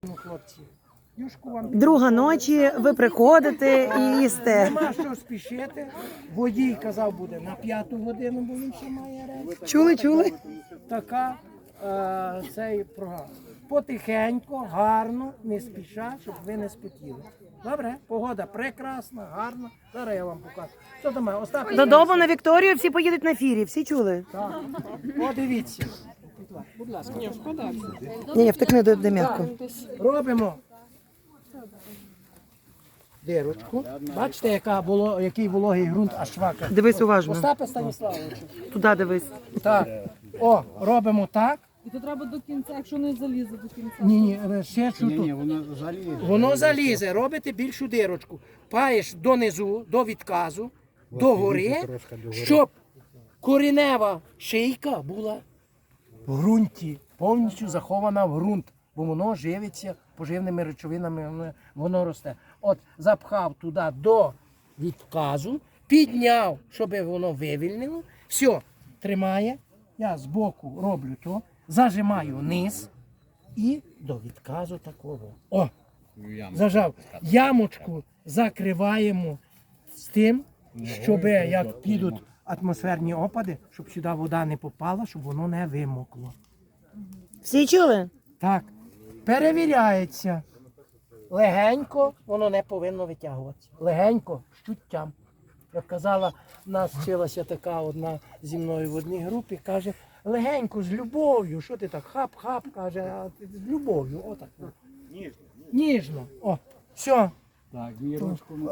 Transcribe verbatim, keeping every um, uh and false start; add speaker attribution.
Speaker 1: Ну, хлопці, юшку вам
Speaker 2: Друга ночі, ви приходите і їсте.
Speaker 1: нема що спішити. Водій казав, буде на п'яту годину, бо він ще має рейс.
Speaker 2: Чули, чули?
Speaker 1: Така е, цей програма. Потихеньку, гарно, не спіша, щоб ви не спотіли. Добре, погода прекрасна, гарна. Зараз я вам покажу. Що там? Остап?
Speaker 2: Додому на Вікторію всі поїдуть на фірі, всі чули?
Speaker 1: Так. О, дивіться. Будь ласка.
Speaker 2: Ні, ні, втекни до м'яко.
Speaker 1: Робимо дирочку. Бачите, яка було, який вологий ґрунт, аж швака.
Speaker 2: Дивись уважно.
Speaker 1: Остапе Станіславовичу.
Speaker 2: Туди дивись.
Speaker 1: Так. О, робимо так.
Speaker 3: І то треба до кінця, якщо не залізе до кінця.
Speaker 1: Ні, ні, ще чуту.
Speaker 4: воно залізе.
Speaker 1: Воно залізе, робите більшу дирочку. Паєш донизу, до відказу, до гори, щоб коренева шийка була в ґрунті, повністю захована в ґрунт, бо воно живиться поживними речовинами, воно, воно росте. От запхав туди до відказу, підняв, щоб воно вивільнило, все, тримає, я збоку роблю то, зажимаю низ і до відказу такого. О! Зажав. Ямочку закриваємо з тим, щоб як підуть атмосферні опади, щоб сюди вода не попала, щоб воно не вимокло.
Speaker 2: Всі чули?
Speaker 1: Так, перевіряється. Легенько воно не повинно витягуватися. Легенько, з чуттям. Як казала, в нас вчилася така одна зі мною в одній групі, каже, легенько, з любов'ю. Що ти так, хап-хап, каже, а ти з любов'ю, отак. Ніжно. Ніжно. О, все.
Speaker 4: Так, вірочку.